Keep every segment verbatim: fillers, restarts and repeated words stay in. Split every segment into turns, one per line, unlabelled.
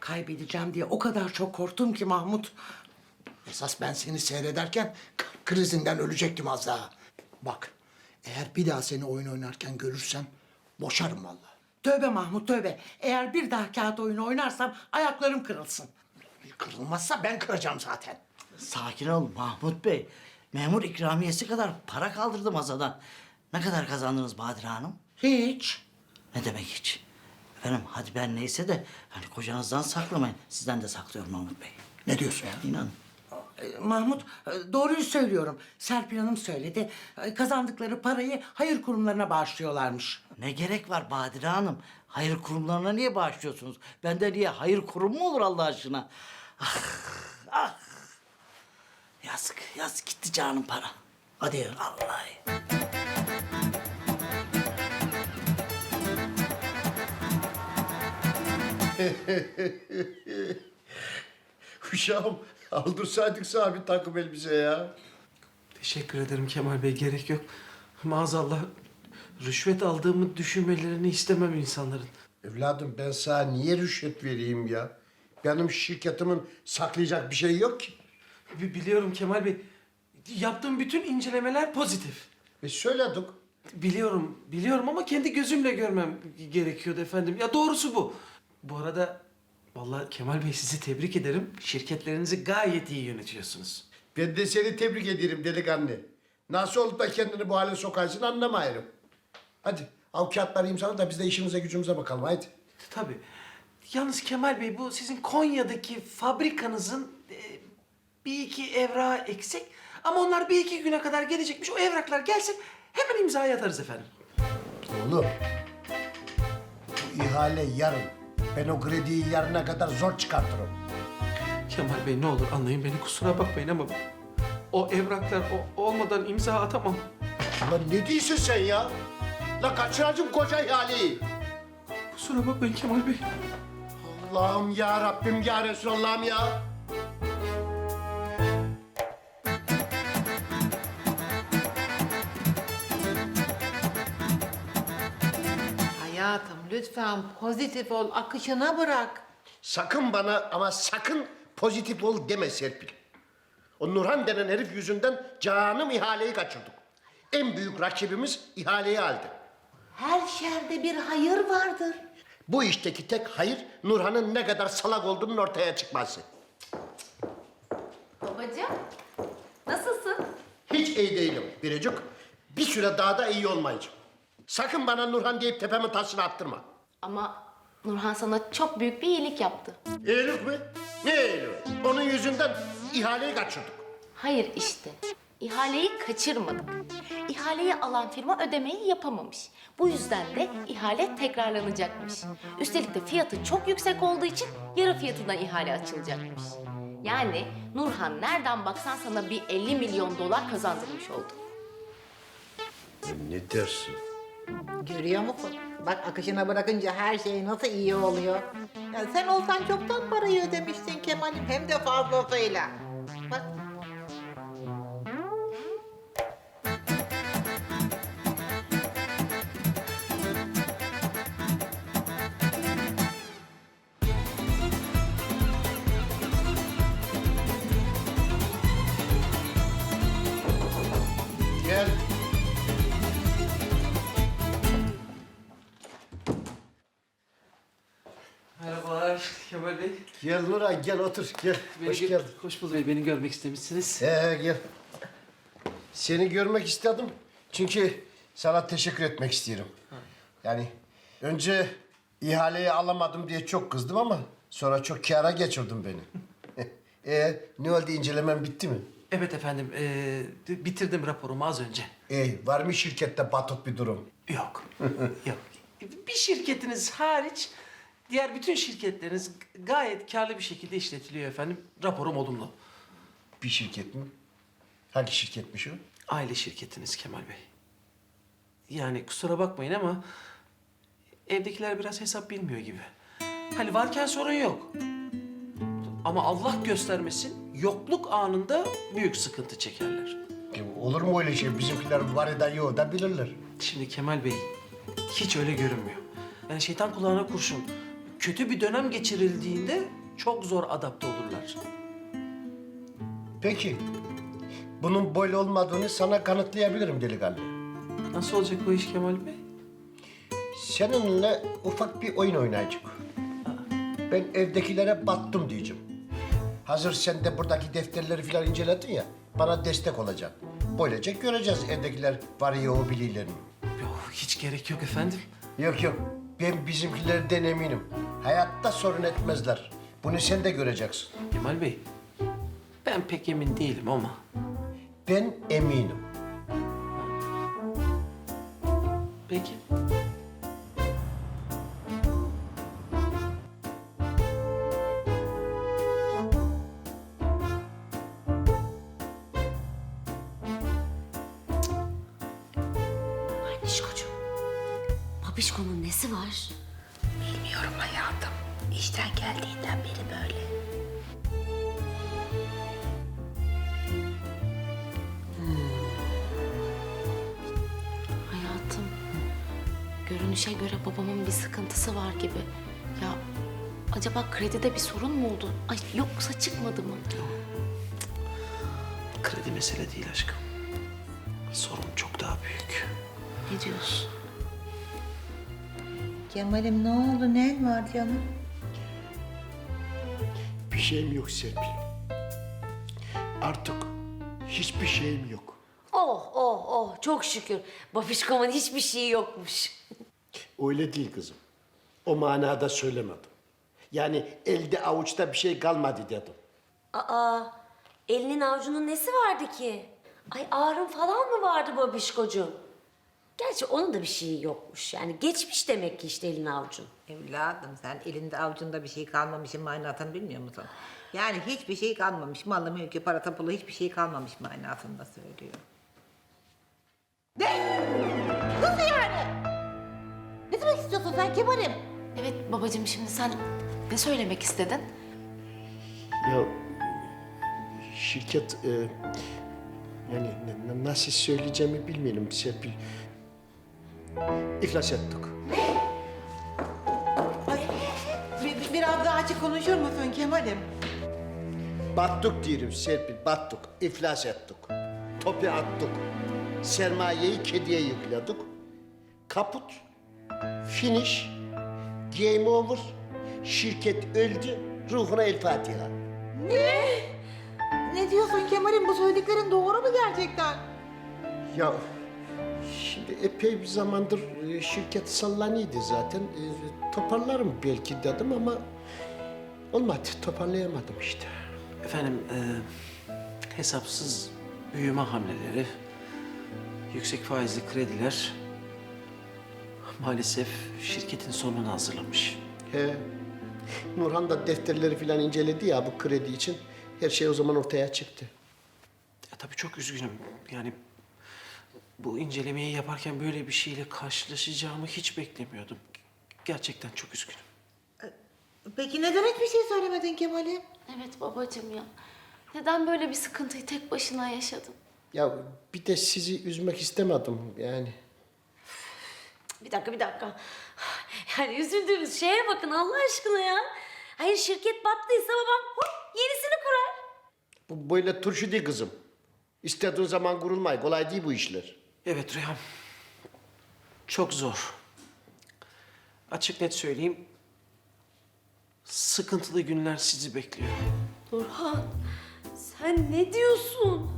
Kaybedeceğim diye o kadar çok korktum ki Mahmut.
Esas ben seni seyrederken kalp krizinden ölecektim az daha. Bak, eğer bir daha seni oyun oynarken görürsem boşarım vallahi.
Tövbe Mahmut tövbe. Eğer bir daha kağıt oyunu oynarsam ayaklarım kırılsın.
Kırılmazsa ben kıracağım zaten.
Sakin ol Mahmut Bey. Memur ikramiyesi kadar para kaldırdı masadan. Ne kadar kazandınız Badire Hanım?
Hiç.
Ne demek hiç? Efendim hadi ben neyse de hani kocanızdan saklamayın. Sizden de saklıyorum Mahmut Bey.
Ne diyorsun ya?
İnanın.
Ee, Mahmut e, doğruyu söylüyorum. Serpil Hanım söyledi. E, Kazandıkları parayı hayır kurumlarına bağışlıyorlarmış.
Ne gerek var Badire Hanım? Hayır kurumlarına niye bağışlıyorsunuz? Bende niye hayır kurumu mu olur Allah aşkına? Ah, ah. Yazık, yazık gitti canım para. Hadi vallahi.
Uşağım aldırsaydık sana bir takım elbise ya.
Teşekkür ederim Kemal Bey, gerek yok. Maazallah rüşvet aldığımı düşünmelerini istemem insanların.
Evladım ben sana niye rüşvet vereyim ya? Benim şirketimin saklayacak bir şey yok ki.
Bi- Biliyorum Kemal Bey. Yaptığım bütün incelemeler pozitif.
E söyledik.
Biliyorum, biliyorum ama kendi gözümle görmem gerekiyordu efendim. Ya doğrusu bu. Bu arada vallahi Kemal Bey sizi tebrik ederim. Şirketlerinizi gayet iyi yönetiyorsunuz.
Ben de seni tebrik ederim delikanlı. Nasıl olup da kendini bu hale sokarsın anlamıyorum. Hadi al kağıtları imzala da biz de işimize gücümüze bakalım haydi.
Tabii. Yalnız Kemal Bey bu sizin Konya'daki fabrikanızın e, bir iki evrağı eksik. Ama onlar bir iki güne kadar gelecekmiş. O evraklar gelsin hemen imzayı atarız efendim.
Oğlum bu ihale yarın. Ben o krediyi yarına kadar zor çıkartırım.
Kemal Bey ne olur anlayın beni, kusura bakmayın ama o evraklar o, olmadan imza atamam.
Ulan ne diyorsun sen ya? La kaçıracağım koca ihaleyi.
Kusura bakmayın Kemal Bey.
Allah'ım ya Rabbim ya Resulallah'ım ya.
Hayatım lütfen pozitif ol, akışına bırak.
Sakın bana ama sakın pozitif ol deme Serpil. O Nurhan denen herif yüzünden canım ihaleyi kaçırdık. En büyük rakibimiz ihaleyi aldı.
Her şerde bir hayır vardır.
Bu işteki tek hayır Nurhan'ın ne kadar salak olduğunun ortaya çıkması.
Babacığım, nasılsın?
Hiç iyi değilim Biricik. Bir süre daha da iyi olmayacağım. Sakın bana Nurhan deyip tepemin taşını attırma.
Ama Nurhan sana çok büyük bir iyilik yaptı.
İyilik mi? Ne iyiliği? Onun yüzünden ihaleyi kaçırdık.
Hayır işte, ihaleyi kaçırmadık. İhaleyi alan firma ödemeyi yapamamış. Bu yüzden de ihale tekrarlanacakmış. Üstelik de fiyatı çok yüksek olduğu için yarı fiyatına ihale açılacakmış. Yani Nurhan nereden baksan sana bir elli milyon dolar kazandırmış oldu.
Ne dersin?
Görüyor musun? Bak akışına bırakınca her şey nasıl iyi oluyor. Ya sen olsan çoktan parayı ödemiştin Kemal'im, hem de fazlasıyla. Bak.
Gel.
Merhabalar Kemal Bey.
Gel Nurhan gel otur gel.
Beni
Hoş
gö-
geldin.
Hoş bulduk. Beni görmek istemişsiniz.
He gel. Seni görmek istedim çünkü sana teşekkür etmek istiyorum. Yani önce ihaleyi alamadım diye çok kızdım ama sonra çok kâra geçirdin beni. e ne oldu, incelemen bitti mi?
Evet efendim, ee, bitirdim raporumu az önce.
E var mı şirkette batık bir durum?
Yok, yok. Bir şirketiniz hariç diğer bütün şirketleriniz gayet karlı bir şekilde işletiliyor efendim. Raporum olumlu.
Bir şirket mi? Hangi şirketmiş o?
Aile şirketiniz Kemal Bey. Yani kusura bakmayın ama evdekiler biraz hesap bilmiyor gibi. Hani varken sorun yok. Ama Allah göstermesin yokluk anında büyük sıkıntı çekerler.
Ya olur mu öyle şey? Bizimkiler var eden yok da bilirler.
Şimdi Kemal Bey hiç öyle görünmüyor. Yani şeytan kulağına kurşun. kötü bir dönem geçirildiğinde çok zor adapte olurlar.
Peki, bunun böyle olmadığını sana kanıtlayabilirim delikanlı.
Nasıl olacak bu iş Kemal Bey?
Seninle ufak bir oyun oynayacak. Ben evdekilere battım diyeceğim. Hazır sen de buradaki defterleri falan inceledin ya, bana destek olacaksın. Böylece göreceğiz evdekiler var ya o bililerini.
Yok, hiç gerek yok efendim.
Yok yok, ben bizimkilerden eminim. Hayatta sorun etmezler. Bunu sen de göreceksin.
Kemal Bey, ben pek emin değilim ama
Ben eminim.
peki.
Anişkocuğum, babişkonun nesi var?
Bilmiyorum hayatım. İşten geldiğinden beri böyle.
Hayatım, görünüşe göre babamın bir sıkıntısı var gibi. Ya acaba kredide bir sorun mu oldu? Ay yoksa çıkmadı mı?
Kredi mesele değil aşkım. Sorun çok daha büyük.
Ne diyorsun?
Kemal'im ne oldu? Ne var canım?
Bir şeyim yok Serpil. Artık hiçbir şeyim yok.
Oh oh oh çok şükür. Babişkomun hiçbir şeyi yokmuş.
Öyle değil kızım. O manada söylemedim. Yani elde avuçta bir şey kalmadı dedim.
Aa, elinin avucunun nesi vardı ki? Ay ağrım falan mı vardı babişkocuğum? Gerçi onun da bir şeyi yokmuş. Yani geçmiş demek ki işte elin avucun.
Evladım sen elinde avucunda bir şey kalmamışın manasını bilmiyor musun? Yani hiçbir şey kalmamış. Malı, mülkü, para, tapulu hiçbir şey kalmamış manasında söylüyor. Ne? Nasıl yani? Ne demek istiyorsun sen Kemal'im?
Evet babacığım, şimdi sen ne söylemek istedin?
Ya şirket e, yani n- n- nasıl söyleyeceğimi bilmiyorum Serpil. İflas ettik.
Bir, biraz daha açık konuşur musun Kemal'im?
Battık diyorum Serpil, battık. İflas ettik. Topu attık. Sermayeyi kediye yükledik. Kaput. Finish. Game over. Şirket öldü. Ruhuna el Fatiha.
Ne diyorsun Kemal'im? Bu söylediklerin doğru mu gerçekten?
Ya şimdi epey bir zamandır e, şirket sallanıyordu zaten. E, toparlarım belki dedim ama olmadı. Toparlayamadım işte.
Efendim, e, hesapsız büyüme hamleleri, yüksek faizli krediler maalesef şirketin sonunu hazırlamış.
He. Nurhan da defterleri falan inceledi ya bu kredi için. Her şey o zaman ortaya çıktı.
Ya tabii çok üzgünüm. Yani bu incelemeyi yaparken böyle bir şeyle karşılaşacağımı hiç beklemiyordum. Gerçekten çok üzgünüm.
Peki neden hiçbir şey söylemedin Kemal'im?
Evet babacığım ya. Neden böyle bir sıkıntıyı tek başına yaşadın?
Ya bir de sizi üzmek istemedim yani.
Bir dakika bir dakika. Yani üzüldüğümüz şeye bakın Allah aşkına ya. Hayır şirket battıysa babam hop yenisini kurar.
Bu böyle turşu değil kızım. İstediğin zaman kurulmay. Kolay değil bu işler.
Evet Rüyam. Çok zor. Açık net söyleyeyim. Sıkıntılı günler sizi bekliyor.
Nurhan sen ne diyorsun?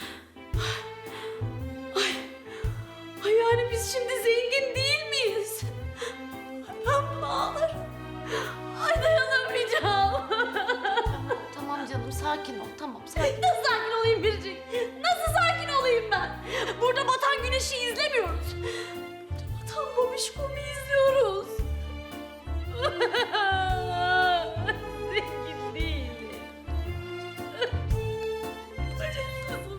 Ay, ay yani biz şimdi zengin değil miyiz? Ay, ben bunu ağlarım. Ay dayanamayacağım.
Tamam canım, sakin ol. Tamam, sakin.
Nasıl sakin olayım Biricik? Nasıl sakin olayım ben? Burada batan güneşi izlemiyoruz. Burada batan babişkomu izliyoruz. Zengin değilim. Parasızım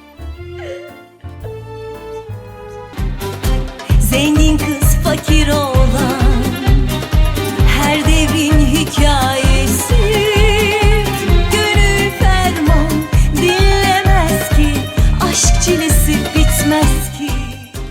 ben artık.
Zengin kız fakir ol